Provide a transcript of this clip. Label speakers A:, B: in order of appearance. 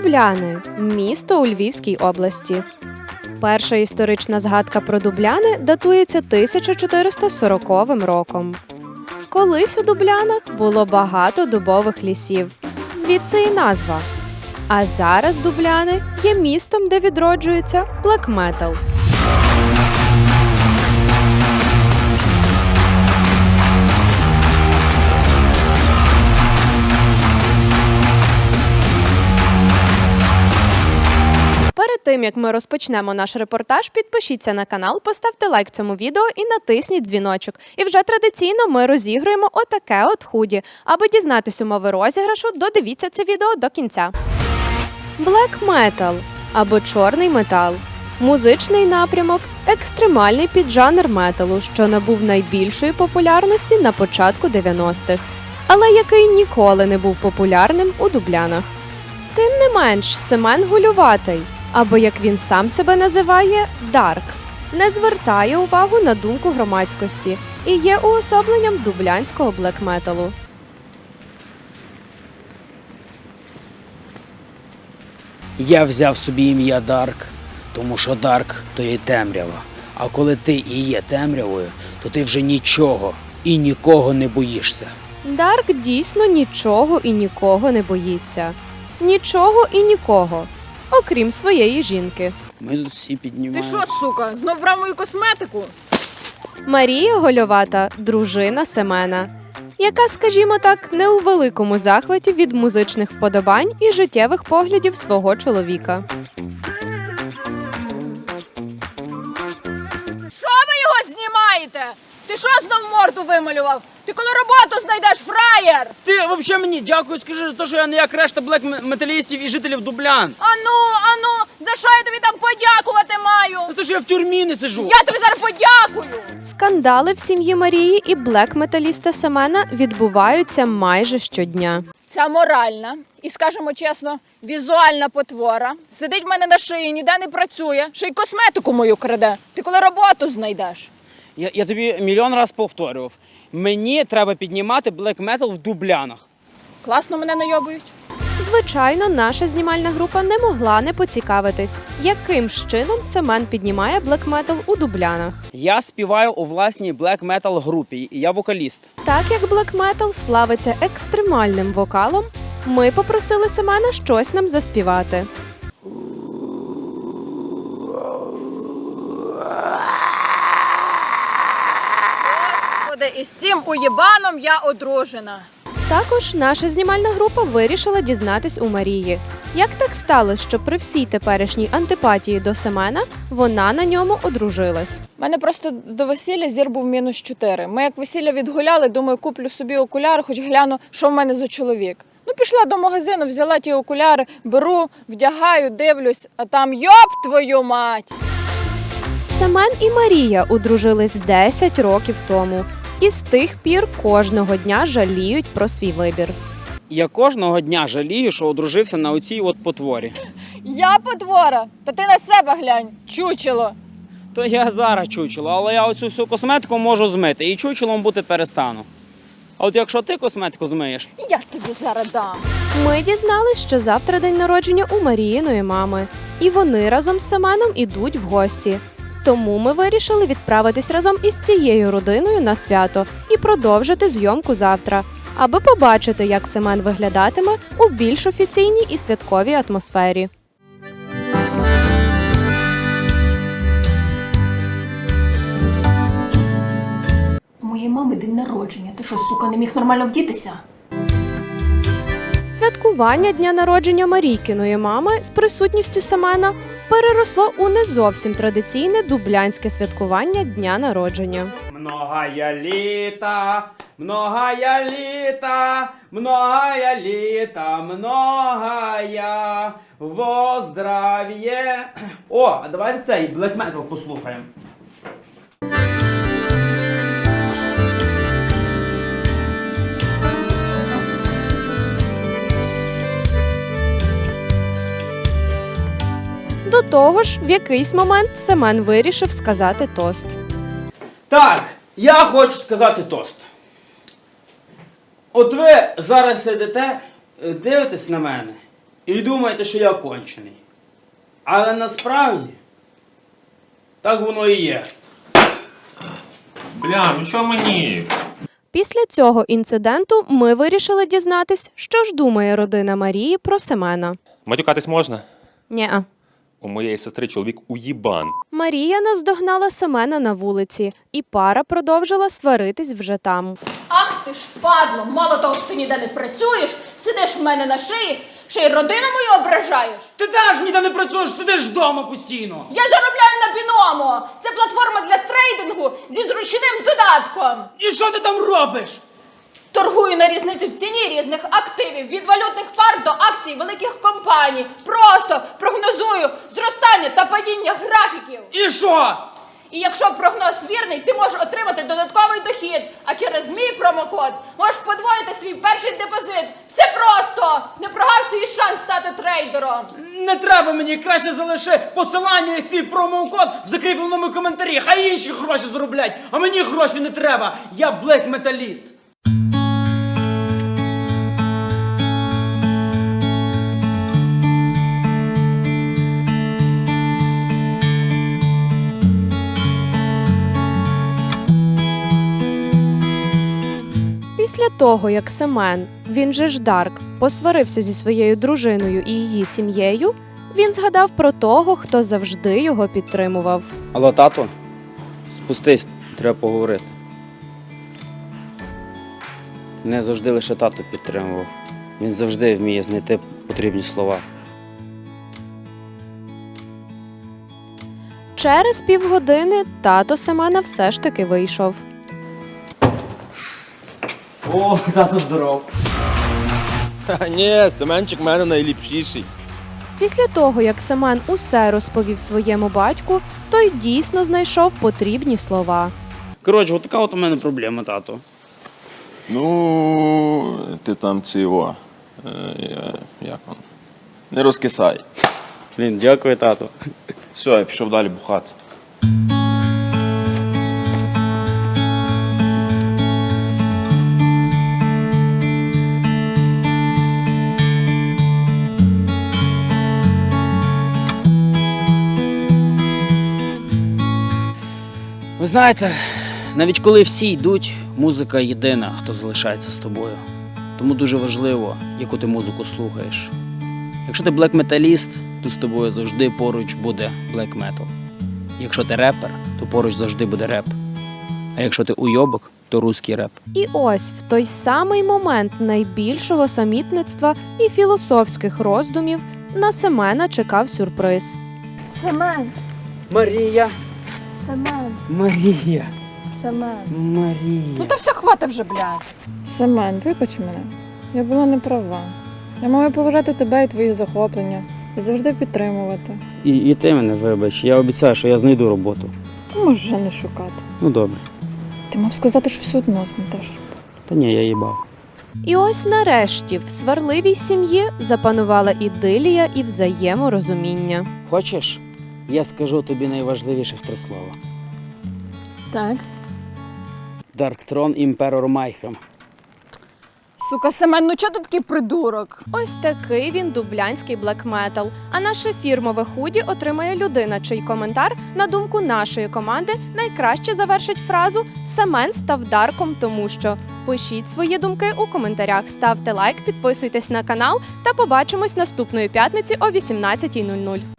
A: Дубляни – місто у Львівській області. Перша історична згадка про Дубляни датується 1440 роком. Колись у Дублянах було багато дубових лісів, звідси і назва. А зараз Дубляни є містом, де відроджується блек-метал. Перед тим, як ми розпочнемо наш репортаж, підпишіться на канал, поставте лайк цьому відео і натисніть дзвіночок. І вже традиційно ми розігруємо отаке от худі. Аби дізнатись умови розіграшу, додивіться це відео до кінця. Black Metal або чорний метал – музичний напрямок, екстремальний піджанр металу, що набув найбільшої популярності на початку 90-х, але який ніколи не був популярним у Дублянах. Тим не менш, Семен Гулюватий, або, як він сам себе називає, Дарк, не звертає увагу на думку громадськості і є уособленням дублянського блек-металу.
B: Я взяв собі ім'я Дарк, тому що Дарк – то є темрява. А коли ти і є темрявою, то ти вже нічого і нікого не боїшся.
A: Дарк дійсно нічого і нікого не боїться. Нічого і нікого, окрім своєї жінки.
B: Ми тут всі піднімаємо.
C: Ти що, сука, знов брав мою косметику?
A: Марія Гольовата – дружина Семена, яка, скажімо так, не у великому захваті від музичних вподобань і життєвих поглядів свого чоловіка.
C: Що ви його знімаєте? Ти що знов морду вималював? Ти коли роботу знайдеш, фраєр?
B: Ти взагалі мені дякую, скажи за те, що я не як решта блек-металістів і жителів Дублян.
C: Ану, за що я тобі там подякувати маю?
B: За те, що я в тюрмі не сижу.
C: Я тобі зараз подякую.
A: Скандали в сім'ї Марії і блек-металіста Семена відбуваються майже щодня.
C: Ця моральна і, скажімо чесно, візуальна потвора сидить в мене на шиї, ніде не працює, ще й косметику мою краде. Ти коли роботу знайдеш?
B: Я тобі мільйон раз повторював. Мені треба піднімати блек-метал в Дублянах.
C: Класно мене найобують.
A: Звичайно, наша знімальна група не могла не поцікавитись, яким ж чином Семен піднімає блек-метал у Дублянах.
B: Я співаю у власній блек-метал групі, і я вокаліст.
A: Так як блек-метал славиться екстремальним вокалом, ми попросили Семена щось нам заспівати.
C: Господи, і з цим уєбаном я одружена.
A: Також наша знімальна група вирішила дізнатись у Марії, як так сталося, що при всій теперішній антипатії до Семена вона на ньому одружилась.
C: У мене просто до весілля зір був -4. Ми як весілля відгуляли, думаю, куплю собі окуляри, хоч гляну, що в мене за чоловік. Ну, пішла до магазину, взяла ті окуляри, беру, вдягаю, дивлюсь, а там йоп твою мать!
A: Семен і Марія одружились 10 років тому. І з тих пір кожного дня жаліють про свій вибір.
B: Я кожного дня жалію, що одружився на оцій от потворі.
C: Я потвора? Та ти на себе глянь, чучело!
B: То я зараз чучело, але я оцю всю косметику можу змити і чучелом бути перестану. А от якщо ти косметику змиєш...
C: Я тобі зараз дам.
A: Ми дізнались, що завтра день народження у Маріїної мами. І вони разом з Семеном ідуть в гості. Тому ми вирішили відправитись разом із цією родиною на свято і продовжити зйомку завтра, аби побачити, як Семен виглядатиме у більш офіційній і святковій атмосфері.
D: У моєї мами день народження. Ти що, сука, не міг нормально вдітися?
A: Святкування дня народження Марійкиної мами з присутністю Семена переросло у не зовсім традиційне дублянське святкування дня народження.
B: Многая літа, многая літа, многая літа, многая во здрав'є. О, а давайте цей блек-метал послухаємо.
A: До того ж, в якийсь момент Семен вирішив сказати тост.
B: Так, я хочу сказати тост. От ви зараз сидите, дивитесь на мене і думаєте, що я кончений. Але насправді так воно і є.
E: Бля, ну чого мені?
A: Після цього інциденту ми вирішили дізнатись, що ж думає родина Марії про Семена.
E: Матюкатись можна?
A: Нєа.
E: У моєї сестри чоловік уїбан.
A: Марія наздогнала Семена на вулиці, і пара продовжила сваритись вже там.
D: Ах ти ж падло! Мало того, що ти ніде не працюєш, сидиш в мене на шиї, ще й родину мою ображаєш.
B: Ти теж ніде не працюєш, сидиш вдома постійно.
D: Я заробляю на Біномо! Це платформа для трейдингу зі зручним додатком.
B: І що ти там робиш?
D: Торгую на різницю в ціні різних активів, від валютних пар до акцій великих компаній. Просто прогнозую зростання та падіння графіків.
B: І що?
D: І якщо прогноз вірний, ти можеш отримати додатковий дохід, а через мій промокод можеш подвоїти свій перший депозит. Все просто! Не прогав свій шанс стати трейдером.
B: Не треба мені, краще залиши посилання і свій промокод в закріпленому коментарі. Хай інші гроші зароблять, а мені гроші не треба. Я блек-металіст.
A: Після того, як Семен, він же ж Дарк, посварився зі своєю дружиною і її сім'єю, він згадав про того, хто завжди його підтримував.
B: Алло, тато? Спустись, треба поговорити. Не завжди лише тато підтримував. Він завжди вміє знайти потрібні слова.
A: Через півгодини тато Семена все ж таки вийшов.
B: О, тато здоров.
F: Ні, Семенчик в мене найліпшіший.
A: Після того, як Семен усе розповів своєму батьку, той дійсно знайшов потрібні слова.
B: Коротше, от така от у мене проблема, тато.
F: Ну, ти там цього. Як он? Не розкисай.
B: Блін, дякую, тато.
F: Все, я пішов далі бухати.
B: Ви знаєте, навіть коли всі йдуть, музика єдина, хто залишається з тобою. Тому дуже важливо, яку ти музику слухаєш. Якщо ти блек-металіст, то з тобою завжди поруч буде блек-метал. Якщо ти репер, то поруч завжди буде реп. А якщо ти уйобок, то русський реп.
A: І ось в той самий момент найбільшого самітництва і філософських роздумів на Семена чекав сюрприз.
D: Семен,
B: Марія!
D: Семен,
B: Марія!
D: Семен.
B: Марія!
C: Ну та все, хвата вже, блядь. Семен, вибач мене. Я була не права. Я маю поважати тебе і твої захоплення. І завжди підтримувати.
B: І ти мене вибач, я обіцяю, що я знайду роботу.
C: Ти можеш вже не шукати.
B: Ну добре.
C: Ти мав сказати, що все одно знайдеш роботу.
B: Та ні, я їбав.
A: І ось нарешті в сварливій сім'ї запанувала ідилія і взаєморозуміння.
B: Хочеш, я скажу тобі найважливіших 3 слова.
C: Так.
B: Дарктрон Імперор Майхем.
C: Сука, Семен, ну чого ти такий придурок?
A: Ось такий він дублянський блекметал. А наше фірмове худі отримає людина, чий коментар, на думку нашої команди, найкраще завершить фразу «Семен став Дарком, тому що». Пишіть свої думки у коментарях, ставте лайк, підписуйтесь на канал та побачимось наступної п'ятниці о 18:00.